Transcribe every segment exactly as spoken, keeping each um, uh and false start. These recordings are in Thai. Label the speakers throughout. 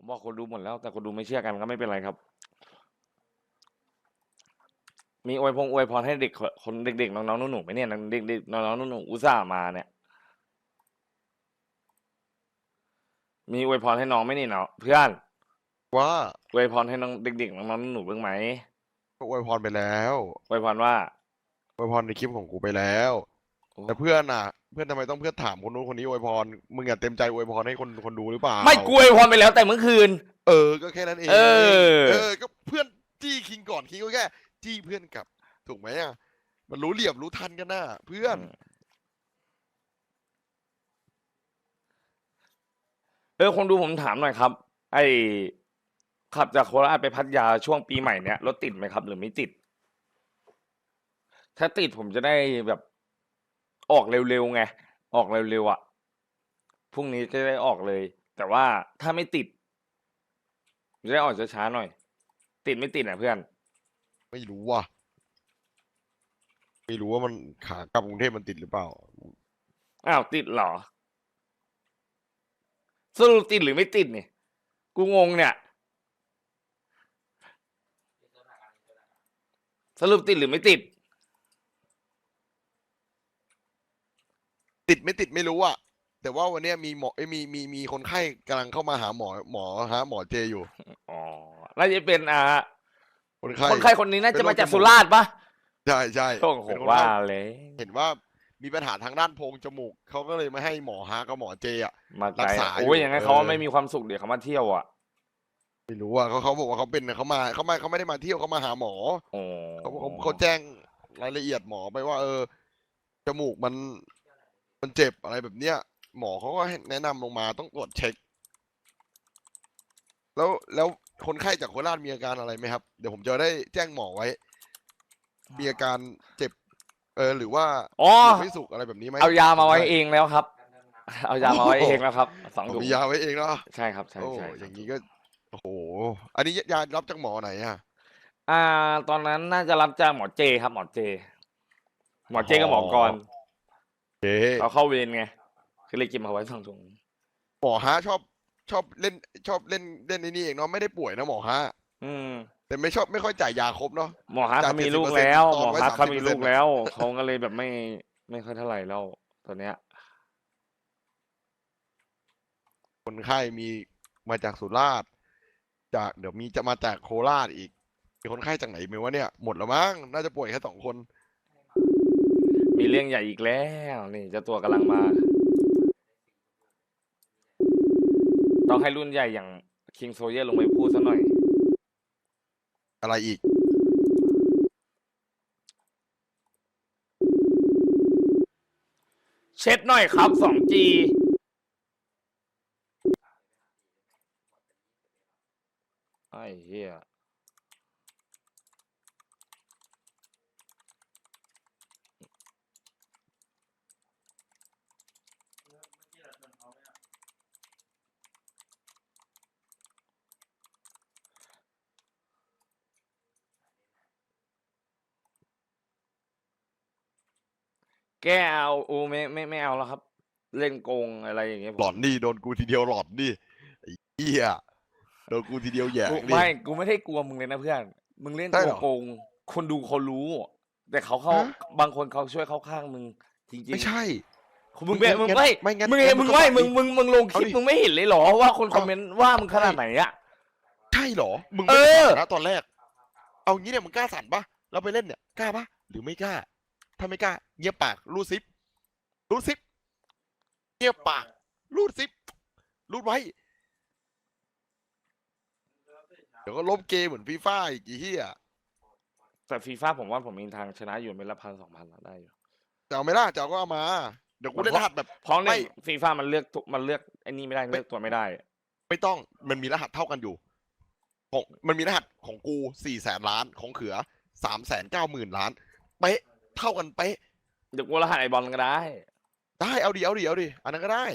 Speaker 1: บอกคนดูหมดแล้วแต่คนดูไม่เชื่อกันก็ไม่เป็นไรครับ มีอวยพงอวยพรให้เด็กคนเด็กๆน้องๆหนูๆไหมเนี่ยเด็กๆน้องๆหนูๆอุตส่าห์มาเนี่ยมีอวยพรให้น้องไหมนี่เนาะเพื่อน
Speaker 2: ว่า
Speaker 1: อวยพรให้น้องเด็กๆน้องๆหนูๆบ้างไหม
Speaker 2: ก็อวยพรไปแล้ว
Speaker 1: อวยพรว่า
Speaker 2: อวยพรในคลิปของกูไปแล้วแต่เพื่อนอ่ะเพื่อนทำไมต้องเพื่อนถามคนนู้นคนนี้อวยพรมึงอย่าเต็มใจอวยพรให้คนคนดูหรือเปล่า
Speaker 1: ไม่กูอวยพรไปแล้วแต่เมื่อคืน
Speaker 2: เออก็แค่นั้นเอง
Speaker 1: เออ
Speaker 2: เออก็เพื่อนจี้คิงก่อนคิงก็แค่จี้เพื่อนกลับถูกไหมอ่ะมันรู้เหลี่ยมรู้ทันกันน่ะเพื่อน
Speaker 1: เออคนดูผมถามหน่อยครับไอ้ขับจากโคราชไปพัทยาช่วงปีใหม่เนี้ยรถติดไหมครับ หรือไม่ติด ถ้าติดผมจะได้แบบออกเร็วๆไงออกเร็วๆอ่ะพรุ่งนี้จะได้ออกเลย แต่ว่าถ้าไม่ติดจะได้ออกช้าๆหน่อย ติดไม่ติดอ่ะเพื่อน
Speaker 2: ไม่รู้ว่ะไม่รู้ว่ามันขากลับกรุงเทพมันติดหรือเปล่า
Speaker 1: อ้าวติดเหรอสรุปติดหรือไม่ติดเนี่ยกูงงเนี่ยสรุปติดหรือไม่ติด
Speaker 2: ติดไม่ติดไม่รู้อ่ะแต่ว่าวันนี้มีหมอเอ้ยมีมีมีคนไข้กำลังเข้ามาหาหมอหมอฮะหมอเจอยู่
Speaker 1: อ๋อน่าจะเป็นอ่า
Speaker 2: คนไข้
Speaker 1: คนไข้คนนี้น่าจะมาจากสุราษฎร์ปะ
Speaker 2: ใช่ใช่
Speaker 1: โอ้โหว่าเลย
Speaker 2: เห็นว่ามีปัญหาทางด้านโพรงจมูกเขาก็เลยไม่ให้หมอฮะกับหมอเจอ่ะ
Speaker 1: มาไกล
Speaker 2: รักษาอยู่
Speaker 1: โอ้ยอย่างงั้นเขาไม่มีความสุขเดี๋ยวเขามาเที่ยวอ่ะ
Speaker 2: ไม่รู้ว่าเขาเขาบอกว่าเขาเป็นเขามาเขาไม่เขาไม่ได้มาเที่ยวเขามาหาหมอ
Speaker 1: อ๋อ
Speaker 2: เขาเขาเขาแจ้งรายละเอียดหมอไปว่า เออจมูกมันมันเจ็บอะไรแบบเนี้ยหมอเขาก็แนะนำลงมาต้องตรวจเช็คแล้วแล้วคนไข้จากโคราชมีอาการอะไรไหมครับเดี๋ยวผมจะได้แจ้งหมอไว้มีอาการเจ็บเออหรือว่า
Speaker 1: อ๋อ
Speaker 2: ไม่สุกอะไรแบบนี้ไหม
Speaker 1: เอายามาไว้เองแล้วครับ เอายามาไว้เองแล้วครับสองถุง
Speaker 2: มียาไว้เองเนาะ
Speaker 1: ใช่ครับใช่
Speaker 2: โอ้
Speaker 1: ใช่
Speaker 2: อย่างนี้ก็โอ้โหอันนี้ยารับจากหมอไหนอ่ะ
Speaker 1: อ่าตอนนั้นน่าจะรับจากหมอเจครับหมอเจ หมอเจกับหมอกร
Speaker 2: โอเค
Speaker 1: เขาเข้าเวรไงคือเลยเก็บมาไว้สองถุง
Speaker 2: หมอฮะชอบชอบเล่นชอบเล่นเล่นในนี่เองเนาะไม่ได้ป่วยนะหมอฮะ
Speaker 1: อืม
Speaker 2: แต่ไม่ชอบไม่ค่อยจ่ายยาครบเนาะ
Speaker 1: หมอฮัก
Speaker 2: จ่าย
Speaker 1: เขามีลูกแล้ว
Speaker 2: เจ็ดสิบเปอร์เซ็นต์ตอนไว้
Speaker 1: หมอฮักเขามีลูก
Speaker 2: สามสิบเปอร์เซ็นต์
Speaker 1: แล้วเขาก็เลยแบบไม่ไม่ค่อยเท่าไหร่แล้วตอนเนี้ย
Speaker 2: คนไข้มีมาจากสุราษฎร์จากเดี๋ยวมีจะมาจากโคราชอีกมีคนไข้จากไหนไม่ว่าเนี่ยหมดแล้วมั้งน่าจะป่วยแค่สองคน
Speaker 1: มีเรื่องใหญ่อีกแล้วนี่เจ้าตัวกำลังมา ต้องให้รุ่นใหญ่อย่างคิงโซเยอร์ลงไปพูดซะหน่อย
Speaker 2: อะไรอีก
Speaker 1: เช็ดหน่อยครับ สองจี ไอ้เหี้ยแกเอาโอ้ไม่ไม่ไม่เอาแล้วครับ เล่นโกงอะไรอย่างเงี้ยผ
Speaker 2: หลอ
Speaker 1: ม
Speaker 2: นดิโดนกูทีเดียวหลอนดิไอ้เหี้ยโดนกูทีเดียวแหย่
Speaker 1: กู
Speaker 2: ดิ
Speaker 1: ไม่กูไม่ได้กลัวมึงเลยนะเพื่อน มึงเล่น
Speaker 2: ใช่
Speaker 1: ตัว
Speaker 2: เหรอ
Speaker 1: โกง คนดูเขารู้ แต่เขาเข้า
Speaker 2: ฮะ
Speaker 1: บางคนเขาช่วยเข้าข้างมึง จริง
Speaker 2: ไม่ใช่
Speaker 1: ๆมึงเป็นมึง
Speaker 2: งั้น
Speaker 1: ไม่
Speaker 2: ไม่งั้น
Speaker 1: มึง
Speaker 2: งั้
Speaker 1: เห็
Speaker 2: น
Speaker 1: นมึง
Speaker 2: มึงก็
Speaker 1: ไม่
Speaker 2: บอก
Speaker 1: มึง
Speaker 2: ดิ
Speaker 1: มึงมึงลงคลิป
Speaker 2: เอาดิ
Speaker 1: มึงไม่เห็นเลยเหรอว่าคนคอม
Speaker 2: เอา
Speaker 1: เมนต์ว่ามึงขนาดไหนอะ
Speaker 2: ใช่เหรอมึง
Speaker 1: เอ
Speaker 2: ไม่ได้
Speaker 1: อ
Speaker 2: สั่นนะตอนแรก เอางี้เนี่ยมึงกล้าสั่นปะเราไปเล่นเนี่ยกล้าปะหรือไม่กล้า ถ้าไม่กล้าเงียบปากรูดซิปรูดซิปเงียบปากรูดซิปรูดไว้เดี๋ยวก็ล้มเกมเหมือนฟีฟ่าอีกไอ้เหี้ย
Speaker 1: แต่ฟีฟ่าผมว่าผมมีทางชนะอยู่เม็ดละพันสองพันได้อยู่
Speaker 2: จะเอาไหม่ล่ะจะเอาก็เอามาเดี๋ยวกูเล่นรหัสแบบ
Speaker 1: เพราะใน
Speaker 2: ไม่
Speaker 1: ฟีฟ่ามันเลือกตัวมันเลือกไอ้นี่ไม่ได้
Speaker 2: ไม่
Speaker 1: เลือกตัวไม่ได้
Speaker 2: ไม่ต้องมันมีรหัสเท่ากันอยู่ของมันมีรหัสของกูสี่แสนล้านของเขือสามแสนเก้าหมื่นล้านเป๊ะเท่ากันเป๊ะ
Speaker 1: เดี๋ยวกูรหัสไอบอลก็ได้
Speaker 2: ได้เอาดิเอาดิเอาดิอันนั้นก็ได้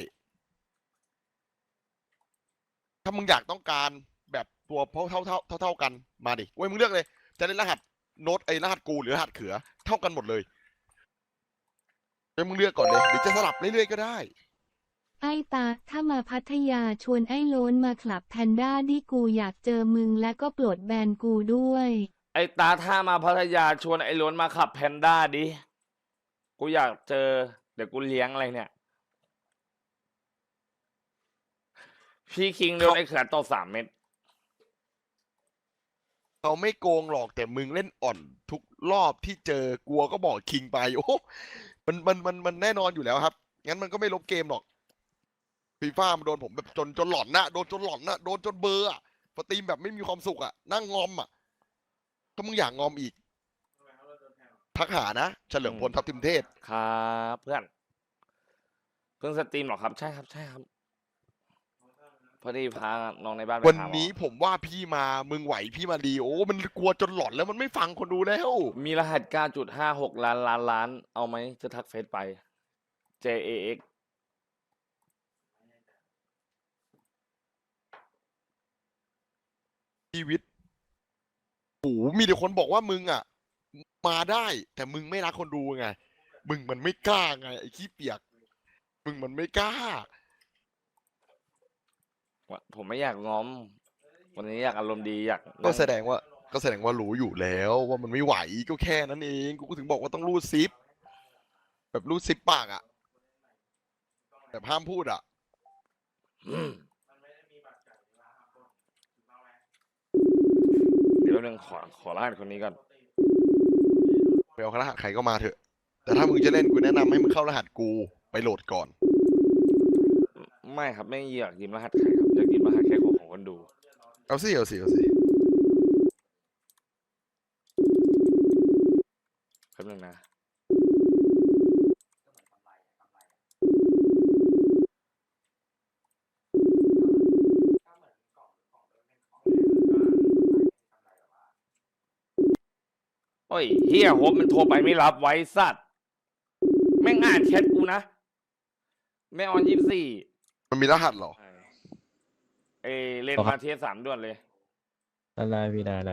Speaker 2: ถ้ามึงอยากต้องการแบบตัวเท่าเท่าเท่าเท่าเท่ากันมาดิเว้ยมึงเลือกเลย จะเล่นรหัสโน้ตไอ้รหัสกูหรือรหัสเขือเท่ากันหมดเลยเว้ยมึงเลือกก่อนเลยหรือจะสลับเรื่อยๆก็ได้
Speaker 3: ไอ้ตาถ้ามาพัทยาชวนไอ้โล้นมาคลับแพนด้าดิกูอยากเจอมึงและก็ปลดแบนกูด้วย
Speaker 1: ไอ้ตาถ้ามาพัทยาชวนไอ้ล้วนมาขับแพนด้าดิกูอยากเจอเดี๋ยวกูเลี้ยงอะไรเนี่ยพี่คิงโดนไอ้เขือตบสามเม็ด
Speaker 2: เขาไม่โกงหรอกแต่มึงเล่นอ่อนทุกรอบที่เจอกลัวก็บอกคิงไปโอ้มันมันมันมันแน่นอนอยู่แล้วครับงั้นมันก็ไม่ลบเกมหรอกฟีฟ่ามันโดนผมแบบจนจนหลอนนะโดนจนหลอนนะโดนจนเบอร์อะสตรีมแบบไม่มีความสุขอะนั่งงอมอะถ้ามึงอยากงอมอีกทักหานะเฉลิมพลทัพทิมเทศ
Speaker 1: ครับเพื่อนเพิ่งสตรีมเหรอครับใช่ครับใช่ครับพอดีพาน้องในบ้านไป
Speaker 2: วัน
Speaker 1: หาหมอ
Speaker 2: นี้ผมว่าพี่มามึงไหวพี่มาดีโอ้มันกลัวจนหลอนแล้วมันไม่ฟังคนดูแล้ว
Speaker 1: มีรหัส เก้าจุดห้าหก ล้านล้านล้าน เอาไหมจะทักเฟซไป เจ เอ เอ็กซ์
Speaker 2: ชีวิตโอ้โหมีแต่คนบอกว่ามึงอ่ะ มาได้ แต่มึงไม่รักคนดูไง มึงมันไม่กล้าไงไอ้ขี้เปียก มึงมันไม่กล้า
Speaker 1: ผมไม่อยากง้อม วันนี้อยากอารมณ์ดีอยาก
Speaker 2: ก็
Speaker 1: นั่ง
Speaker 2: แสดงว่า ก็แสดงว่ารู้อยู่แล้วว่ามันไม่ไหวก็แค่นั้นเอง กูก็ถึงบอกว่าต้องรูดซิป แบบรูดซิปปากอ่ะแบบห้ามพูดอ่ะ
Speaker 1: อืมเดี๋ยวหนึ่งขอขอรหัสคนนี้ก่อน
Speaker 2: ไปเอารหัสใครก็มาเถอะ แต่ถ้ามึงจะเล่นกูแนะนำให้มึงเข้ารหัสกูไปโหลดก่อน
Speaker 1: ไม่ครับไม่อยากยืมรหัสใครครับอยากยืมรหัสแค่ของของคนดู
Speaker 2: เอาสิเอาสิเอาสิ
Speaker 1: แป๊บนึงนะโอ้ยเฮียโฮปมันโทรไปไม่รับไว้สัตว์แม่งอ่านแชทกูนะแม่ออนยี่สิบสี่
Speaker 2: มันมีรหัสเหรอ
Speaker 1: เอเล่นมาเทียสามด่วนเลย
Speaker 4: ได้พี่ได้ได้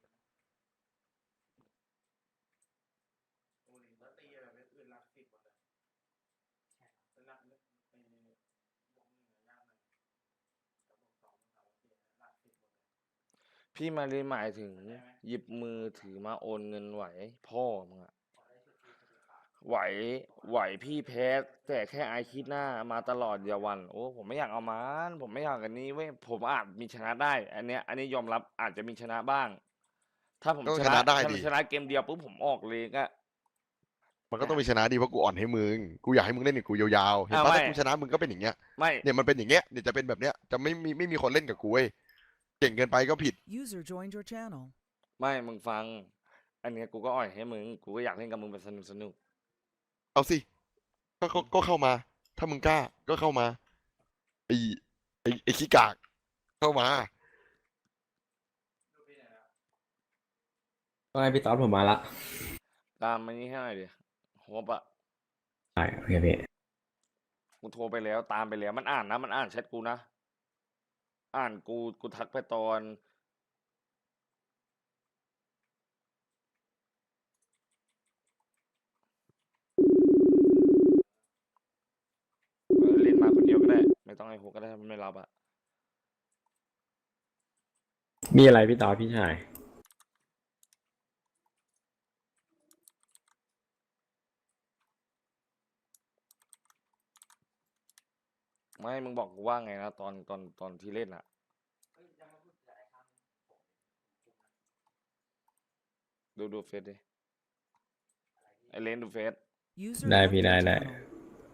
Speaker 1: พี่มาเรียนหมายถึงหยิบมือถือมาโอนเงินไหวพ่อมึงอะไหวไหวพี่แพ้แต่แค่ไอคิดหน้ามาตลอดอย่าหวันโอ้ผมไม่อยากเอามันผมไม่อยากอันนี้เว้ยผมอาจมีชนะได้ อันเนี้ย อันนี้ยอมรับอาจจะมีชนะบ้าง ถ้าผม
Speaker 2: ก็
Speaker 1: ช
Speaker 2: ช
Speaker 1: นะ
Speaker 2: นะได้
Speaker 1: ถ้า
Speaker 2: ดิ
Speaker 1: ชนะเกมเดียวปุ๊บผมออกเลยก็
Speaker 2: มันก็ต้องมีชนะดีเพราะกูอ่อนให้มึง กูอยากให้มึงเล่นกับกูยาวๆ เห็น
Speaker 1: อ้าว
Speaker 2: ปะ
Speaker 1: ไม่
Speaker 2: ถ้ากูชนะมึงก็เป็นอย่างเงี้ย
Speaker 1: ไม่
Speaker 2: เนี่ยมันเป็นอย่างเงี้ย เนี่ยจะเป็นแบบเนี้ย จะไม่มีไม่มีคนเล่นกับกูเว้ย เก่งเกินไปก็ผิด
Speaker 5: User joined your channel.
Speaker 1: ไม่มึงฟัง อันเนี้ยกูก็อ่อยให้มึงกูก็อยากเล่นกับมึงแบบสนุกสนุก
Speaker 2: เอาสิก็ก็ก็เข้ามา ถ้ามึงกล้า ก็เข้ามาไอ้ไอ้ไอ้ขี้กาก เข้ามา
Speaker 4: ก็ให้พี่ต๊อดผมมาละ
Speaker 1: ตามมานี้ให้หน่อยดิโฮปอะ
Speaker 4: ได้โอเคพี่
Speaker 1: กูโทรไปแล้วตามไปแล้วมันอ่านนะมันอ่านแชทกูนะอ่านกูกูทักไปตอนเออเล่นมาคนเดียวก็ได้ ไม่ต้องให้โฮก็ได้ถ้ามันไม่รับอะ
Speaker 4: มีอะไรพี่ต๊อดพี่ชาย
Speaker 1: ไม่มึงบอกกูว่าไงนะตอนตอนตอนที่เล่นอะดูดูเฟซดิไอเลนดูเฟซ
Speaker 5: User
Speaker 4: ได้
Speaker 5: left
Speaker 4: พี่
Speaker 5: your
Speaker 4: ได้ได้
Speaker 5: channel.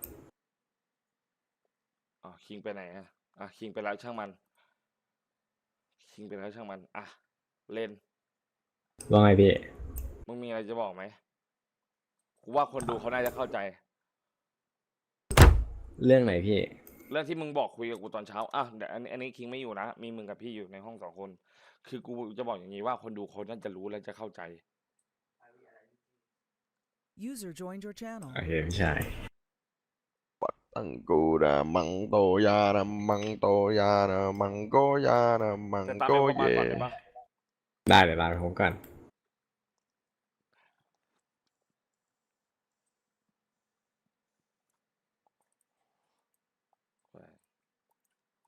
Speaker 1: อ๋อคิงไปไหนอะอ่ะคิงไปแล้วช่างมันคิงไปแล้วช่างมันอ่ะเล่น
Speaker 4: ว่าไงพี่
Speaker 1: มึงมีอะไรจะบอกไหมกูว่าคนดูเขาน่าจะเข้าใจ
Speaker 4: เรื่องไหนพี่
Speaker 1: เรื่องที่มึงบอกคุยกับกูตอนเช้าอ่ะเดี๋ยวอันนี้อันนี้คิงไม่อยู่นะ มีมึงกับพี่อยู่ในห้องสองคน คือกูจะบอกอย่างนี้ว่าคนดูเขาน่าจะรู้และจะเข้าใจ
Speaker 5: User joined your channel.
Speaker 4: โอเคพี่ชาย
Speaker 2: ตังกูนะมังโตยานะมังโตยานะมังโกยานะมัง
Speaker 1: แต่ตาม
Speaker 2: โก
Speaker 1: ไปพบ
Speaker 2: เย
Speaker 1: มาก่อนได้ปะ
Speaker 4: ได้เดี๋ยวลาไปผมก่อน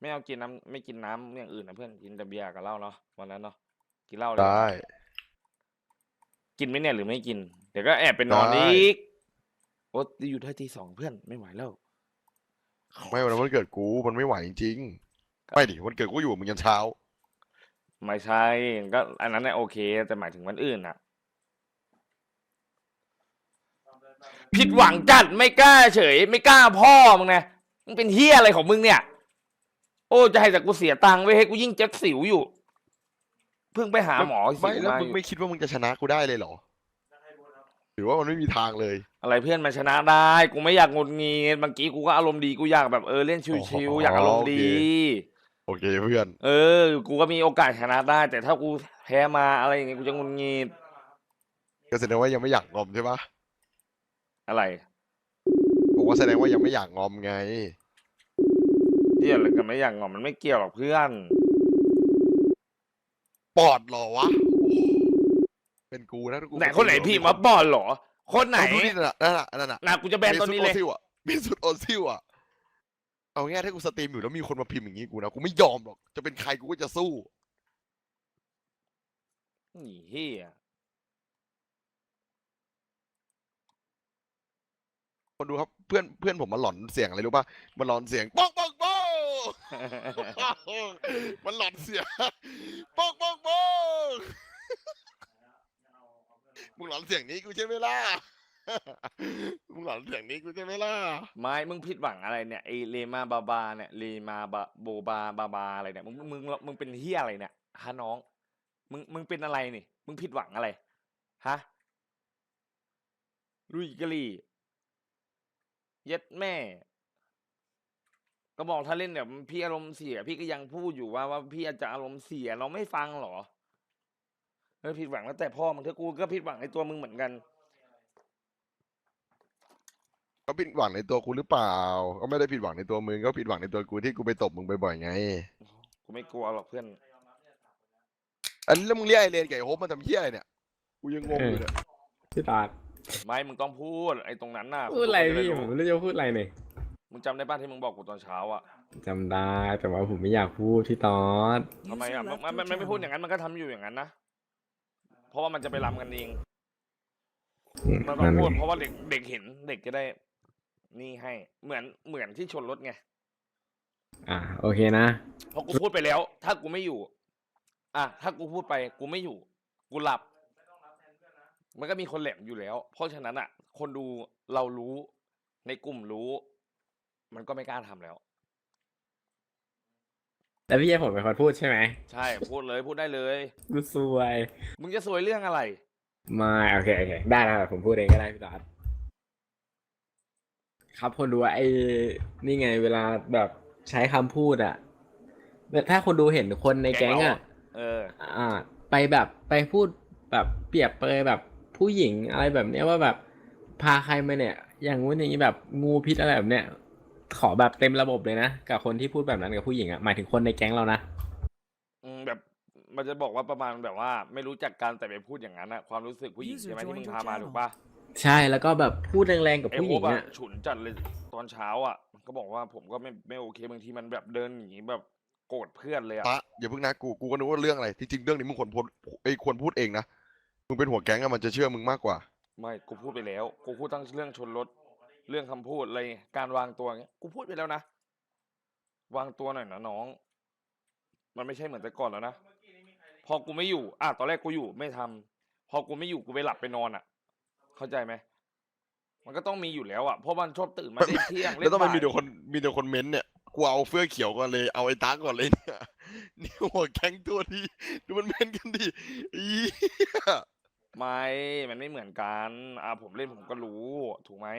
Speaker 1: ไม่เอากินน้ำไม่กินน้ำอย่างอื่นนะเพื่อนกินแต่เบียร์กับเหล้าเนาะวันนั้นเนาะกินเหล้าเลย
Speaker 2: ได้
Speaker 1: กินไหมเนี่ยหรือไม่กิน เดี๋ยวก็แอบไปนอน
Speaker 2: ได้
Speaker 1: อีกโอ้อยู่ได้ทีสองเพื่อนไม่ไหวแล้ว
Speaker 2: ไม่วันนั้นวันเกิดกูมันไม่ไหวจริงๆไม่ดิวันเกิดกูอยู่มึงยันเช้า
Speaker 1: ไม่ใช่ก็อันนั้นเนี่ยโอเค แต่หมายถึงวันอื่นน่ะ ผิดหวังจัดไม่กล้าเฉย ไม่กล้าพ่อมึงนะมึงเป็นเฮียอะไรของมึงเนี่ย โอ้จะให้แต่กูเสียตังค์ไว้ให้กูยิ่งเจ็บสิวอยู่ เพิ่งไปหาหมอสิ
Speaker 2: ไม่
Speaker 1: ว
Speaker 2: แล้ว
Speaker 1: มาอ
Speaker 2: มึง
Speaker 1: ยู่
Speaker 2: ไม่คิดว่ามึงจะชนะกูได้เลยเหรอหรือว่ามันไม่มีทางเลย
Speaker 1: อะไรเพื่อนมาชนะได้ กูไม่อยากงดงีดเมื่อกี้กูก็อารมณ์ดีกูอยากแบบเออเล่นชิวๆอยากอารมณ์ดี
Speaker 2: โอเคเพื่อน
Speaker 1: เออ กูก็มีโอกาสชนะได้ แต่ถ้ากูแพ้มาอะไรอย่างเงี้ยกูจะงุนงีด
Speaker 2: ก็แสดงว่ายังไม่อยากงอมใช่ปะ
Speaker 1: อะไร
Speaker 2: ผมว่าแสดงว่ายังไม่อยากงอมไง
Speaker 1: เกี่ยวอะไรกันไม่อย่างงอมันไม่เกี่ยวหรอกเพื่อน
Speaker 2: ปอดเหรอวะโอ้เป็นกูนะถ้ากู
Speaker 1: ไหนคนไหนพี่มาบอลเหรอ คนไหน
Speaker 2: เอาดูนี่น่ะนั่นน่ะนั่นน่ะ
Speaker 1: น่ะกูจะแบนตัวนี้เลย
Speaker 2: มสุดโอซิลอ่ะมีสุดโอซิลอ่ะเอาง่ายๆถ้ากูสตรีมอยู่แล้วมีคนมาพิมพ์อย่างงี้กูนะกูไม่ยอมหรอกจะเป็นใครกูก็จะสู้
Speaker 1: นี่เฮีย
Speaker 2: คนดูครับเพื่อนเพื่อนผมมาหลอนเสียงอะไรรู้ป่ะมันหลอนเสียงป๊อกป๊อกป๊อกมันหลอนเสียงป๊อกป๊อกป๊อกมึงหลอนเสียงนี้กูใช่ไหมล่ะมึงหลอนเสียงนี้กูใช่ไหมล่ะ
Speaker 1: ไม่มึงผิดหวังอะไรเนี่ยไอเลมาบาบาเนี่ยเลมาบาโบบาบาบาอะไรเนี่ยมึงมึงมึงเป็นเฮียอะไรเนี่ยฮะน้อง มึงมึงเป็นอะไรนี่มึงผิดหวังอะไรฮะลุยกะลี่เย็ดแม่ ก็บอกถ้าเล่นแบบพี่อารมณ์เสีย พี่ก็ยังพูดอยู่ว่าว่าพี่อาจจะอารมณ์เสียเราไม่ฟังหรอเออผิดหวังแล้วแต่พ่อมึงถ้ากูก็ผิดหวังในตัวมึงเหมือนกัน
Speaker 2: ก็ผิดหวังในตัวกูหรือเปล่า ก็ไม่ได้ผิดหวังในตัวมึงก็ผิดหวังในตัวกูที่กูไปตบมึงบ่อยๆไง
Speaker 1: กูไม่กลัวหรอกเพื่อน
Speaker 2: อันนี้แล้วมึงเรียกไอเลนกับไอโฮปมาทำเหี้ยอะไรเนี่ยกูยังงงอยู่เนี่ย
Speaker 4: พี่ตอด
Speaker 1: ไม่มึงต้องพูดไอ้ตรงนั้นน่ะ
Speaker 4: พูดอะไร
Speaker 1: คนจ
Speaker 4: พี่
Speaker 1: ด้
Speaker 4: ผมไม่รู้จะพูดอะไรเนี่ย
Speaker 1: มึงจำได้ป่ะที่มึงบอกกูตอนเช้าอ่ะ
Speaker 4: จำได้แต่ว่าผมไม่อยากพูดพี่ตอด
Speaker 1: ทำไม
Speaker 5: User
Speaker 1: อ่ะมัน
Speaker 5: left
Speaker 1: มัน
Speaker 5: your
Speaker 1: มันไม่พูดอย่าง
Speaker 5: channel.
Speaker 1: นั้นมันก็ทำอยู่อย่างนั้นนะเพราะว่ามันจะไปรำกันเอง
Speaker 4: อืม
Speaker 1: มันต้อ
Speaker 4: นั่
Speaker 1: ง
Speaker 4: น
Speaker 1: พูด
Speaker 4: เอง
Speaker 1: เพราะว่าเด็กเด็กเห็นเด็กจะได้ นี่ให้เหมือนเหมือนที่ชนรถไง
Speaker 4: อ่ะโอเคนะ
Speaker 1: เพราะกูพูดไปแล้ว ถ้ากูไม่อยู่ อ่ะถ้ากูพูดไปกูไม่อยู่ กูหลับ มันก็มีคนแหลมอยู่แล้ว เพราะฉะนั้นอ่ะ คนดูเรารู้ในกลุ่มรู้ มันก็ไม่กล้าทำแล้ว
Speaker 4: แต่พี่ให้ผมเป็นคนพูดใช่ไหม
Speaker 1: ใช่พูดเลยพูดได้เลย
Speaker 4: กูซวย
Speaker 1: มึงจะสวยเรื่องอะไร
Speaker 4: ไม่โอเคโอเคได้ได้ผมพูดเองก็ได้พี่ตอดครับคนดูว่าไอ้นี่ไงเวลาแบบใช้คำพูดอะแบบถ้าคนดูเห็นคนใน
Speaker 1: แก๊
Speaker 4: แก๊
Speaker 1: ง
Speaker 4: ง
Speaker 1: เรา
Speaker 4: อะ
Speaker 1: เออ
Speaker 4: อ่า ไปแบบไปพูดแบบเปรียบเปรยแบบผู้หญิงอะไรแบบเนี้ยว่าแบบพาใครมาเนี่ย อย่างงู้นอย่างนี้แบบงูพิษอะไรแบบเนี้ยขอแบบเต็มระบบเลยนะกับคนที่พูดแบบนั้นกับผู้หญิงอะหมายถึงคนในแก๊งเรานะ
Speaker 1: อืมแบบมันจะบอกว่าประมาณแบบว่า ไม่รู้จักกันแต่ไปพูดอย่างนั้นอะความรู้สึกผู้หญิง
Speaker 5: User
Speaker 1: ใช่ไหมที่มึง
Speaker 5: joined
Speaker 1: พา
Speaker 5: your
Speaker 1: มา
Speaker 5: channel
Speaker 1: ถูกปะ
Speaker 4: ใช่แล้วก็แบบพูดแรงๆกับ
Speaker 1: ไอ้
Speaker 4: ผู้ห
Speaker 1: โฮ
Speaker 4: ญิ
Speaker 1: ป
Speaker 4: ง
Speaker 1: อะ
Speaker 4: อะ
Speaker 1: ฉุนจัดเลยตอนเช้าอะก็บอกว่าผมก็ไม่ไม่โอเคบางทีมันแบบเดินหนีแบบโกรธเพื่อนเลยอะ
Speaker 2: ปะอย่าเพิ่งนะกูกูก็นึกว่าเรื่องอะไรที่จริงเรื่องนี้มึงควรพูดไอ้ยควรพูดเองนะมึงเป็นหัวแก๊งอะมันจะเชื่อมึงมากกว่า
Speaker 1: ไม่กูพูดไปแล้วกูพูดทั้งเรื่องชนรถเรื่องคำพูดอะไรการวางตัวเงี้ยกูพูดไปแล้วนะวางตัวหน่อยนะน้อง มันไม่ใช่เหมือนแต่ก่อนแล้วนะพอกูไม่อยู่อ่ะตอนแรกกูอยู่ไม่ทำพอกูไม่อยู่กูไปหลับไปนอนอ่ะ เข้าใจไหมมันก็ต้องมีอยู่แล้วอ่ะเพราะมันชอบตื่นมาเล่นเที่ยง
Speaker 2: แล้วต้องไป
Speaker 1: บ่าย
Speaker 2: มีเดี๋ยวคนมีเดี๋ยวคนเม้นต์เนี่ยกูเอาเฟื่อเขียวก่อนเลยเอาไอ้ตาก่อนเลยเนี่ยนี่หัวแก๊งตัวดีดูมันเม้นต์กันดิอีเหี้ย
Speaker 1: ไม่ มันไม่เหมือนกัน อ่าผมเล่นผมก็รู้ ถูกไหม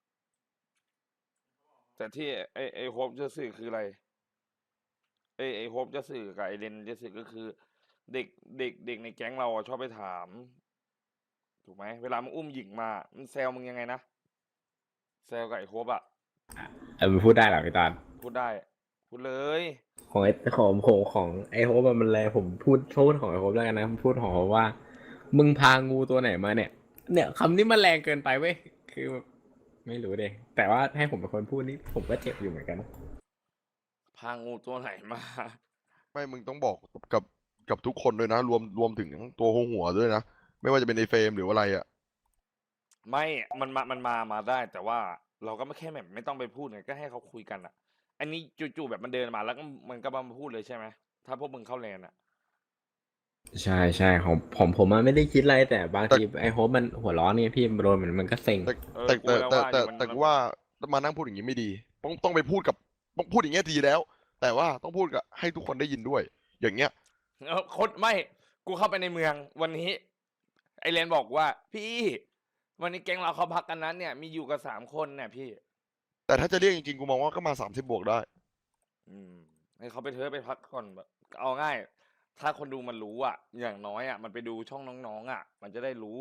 Speaker 1: แต่ที่ไอไอโฮปจะสื่อคืออะไรไอไอโฮปจะสื่อกับไอเรนจะสื่อก็คือ เด็กเด็กเด็กในแก๊งเราอะชอบไปถาม ถูกไหมเวลามึงอุ้มหญิงมามันแซวมึงยังไงนะแซวกับไอโฮปอะ
Speaker 4: เออมันพูดได้เหรอพี่ตอด
Speaker 1: พูดได้ พูดเลย
Speaker 4: ของไอ้ของของของไอ้โฮปอะมันแรงผมพูดพูดของไอ้โฮปแล้วกันนะพูดของโฮปว่า มึงพางูตัวไหนมาเนี่ย เนี่ยคำนี้มันแรงเกินไปเว้ยคือไม่รู้เดยแต่ว่าให้ผมเป็นคนพูดนี่ผมก็เจ็บอยู่เหมือนกัน
Speaker 1: พางูตัวไหนมา
Speaker 2: ไม่มึงต้องบอกกับกับทุกคนด้วยนะ รวมรวมถึงตัวหัวหัวด้วยนะ ไม่ว่าจะเป็นในเฟรมหรืออะไรอ่ะ
Speaker 1: ไม่ มันมา มันมา มาได้ แต่ว่าเราก็ไม่แค่แบบไม่ต้องไปพูดไง ก็ให้เขาคุยกันอ่ะ อันนี้จู่ๆแบบมันเดินมาแล้วก็มันก็มาพูดเลยใช่ไหม ถ้าพวกมึงเข้าแลนอ่ะ
Speaker 4: ใช่ใช่ของผมผมมันไม่ได้คิดอะไรแต่บาง
Speaker 2: แต่
Speaker 4: ทีไอ้โฮปมันหัวร้อนเนี่ยพี่โดนมันมันก็เซ็ง
Speaker 2: แต่
Speaker 1: เออ
Speaker 2: แต่
Speaker 1: กู
Speaker 2: แต่
Speaker 1: ก็
Speaker 2: แต่
Speaker 1: ว่าอ
Speaker 2: แต่
Speaker 1: ยู่มันมัน
Speaker 2: แต่กูว่ามานั่งพูดอย่างนี้ไม่ดี ต้องต้องไปพูดกับต้องพูดอย่างเงี้ยดีแล้ว แต่ว่าต้องพูดกับให้ทุกคนได้ยินด้วย อย่างเงี้ย
Speaker 1: เออคนไม่ กูเข้าไปในเมืองวันนี้ ไอเลนบอกว่า พี่ วันนี้แก๊งเราเขาพักกันนั้นเนี่ย มีอยู่กับสามคนเนี่ยพี่
Speaker 2: แต่ถ้าจะเรียกจริงๆกูมองว่าก็มาสามสิบบวกได้
Speaker 1: อืมให้เขาไปเถอะไปพักก่อนแบบเอาง่าย ถ้าคนดูมันรู้อ่ะ อย่างน้อยอ่ะ มันไปดูช่องน้องๆอ่ะ มันจะได้รู้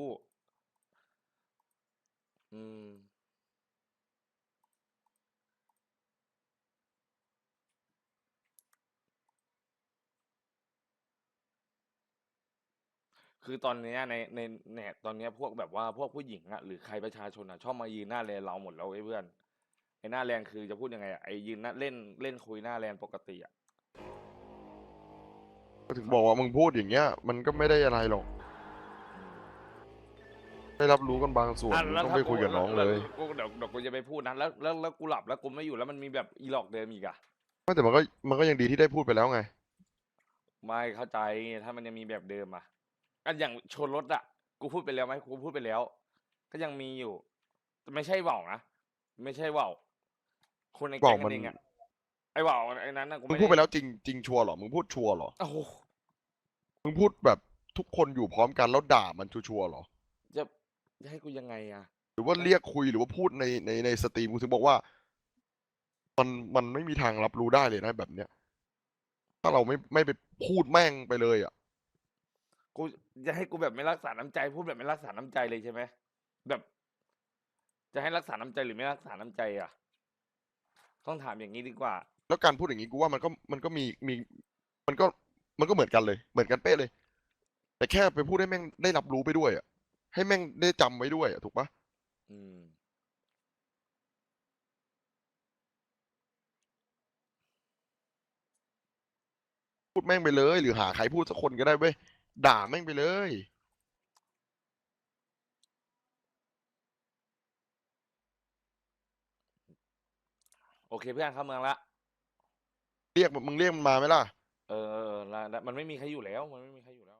Speaker 1: อืม คือตอนเนี้ยในในเนี่ยตอนเนี้ยพวกแบบว่าพวกผู้หญิงอ่ะหรือใครประชาชนอ่ะชอบมายืนหน้าแลนเราหมดแล้วไอ้ยเพื่อนไอ้หน้าแลนคือจะพูดยังไงอ่ะไอ้ยืนหน้าเล่นเล่นคุยหน้าแลนปกติอ่ะ
Speaker 2: ก็ถึงบอกว่ามึงพูดอย่างเงี้ย มันก็ไม่ได้อะไรหรอก ได้รับรู้กันบางส่วน
Speaker 1: อ่ะ
Speaker 2: มึง
Speaker 1: แล้ว
Speaker 2: ต้อง
Speaker 1: ถ้า
Speaker 2: ไปคุยกับน้อง
Speaker 1: แว
Speaker 2: เลย
Speaker 1: กูเดี๋ยวเดี๋ยวกูจะไปพูดนะแล้วแล้วแล้วกูหลับแล้วกูไม่อยู่แล้วมันมีแบบอีหลอกเดิมอีกอ่ะ
Speaker 2: ไม่แต่มันก็มันก็ยังดีที่ได้พูดไปแล้วไง
Speaker 1: ไม่เข้าใจถ้ามันยังมีแบบเดิมอ่ะอันอย่างชนรถอ่ะกูพูดไปแล้วไหมกูพูดไปแล้ว ก็ยังมีอยู่แต่ไม่ใช่เว่าวนะไม่ใช่เว่าวคนในแก๊ง
Speaker 2: ว่าวมั
Speaker 1: กัน นเองอ่ะไอ้เว่าวไอ้นั้นน่ะกู
Speaker 2: มึง
Speaker 1: ไม่
Speaker 2: พูดไป
Speaker 1: ได้
Speaker 2: แล้วจริงจริงชัวร์เหรอ มึงพูดชัวร์เหรอ
Speaker 1: โอ้โห
Speaker 2: มึงพูดแบบทุกคนอยู่พร้อมกันแล้วด่ามันชัวร์ๆเหรอ
Speaker 1: จะจะให้กูยังไงอ่ะ
Speaker 2: หรือว่าเรียกคุยหรือว่าพูดในในในสตรีมกูถึงบอกว่า มันมันไม่มีทางรับรู้ได้เลยนะแบบเนี้ย ถ้าเราไม่ไม่ไปพูดแม่งไปเลยอ่ะ
Speaker 1: กูจะให้กูแบบไม่รักษาน้ำใจพูดแบบไม่รักษาน้ำใจเลยใช่ไหมแบบ จะให้รักษาน้ำใจหรือไม่รักษาน้ำใจอ่ะ ต้องถามอย่างนี้ดีกว่า
Speaker 2: แล้วการพูดอย่างนี้กูว่ามันก็มันก็มีมี มันก็มันก็เหมือนกันเลย เหมือนกันเป๊ะเลย แต่แค่ไปพูดให้แม่งได้รับรู้ไปด้วยอ่ะ ให้แม่งได้จำไว้ด้วยอ่ะถูกปะ
Speaker 1: อืม
Speaker 2: พูดแม่งไปเลย หรือหาใครพูดสักคนก็ได้เว้ย ด่าแม่งไปเลย
Speaker 1: โอเคเพื่อนเข้าเมืองละ
Speaker 2: เรียกมันมึงเรียกมันมาไหมล่ะ
Speaker 1: เออเออเออแล้วแล้วมันไม่มีใครอยู่แล้ว มันไม่มีใครอยู่แล้ว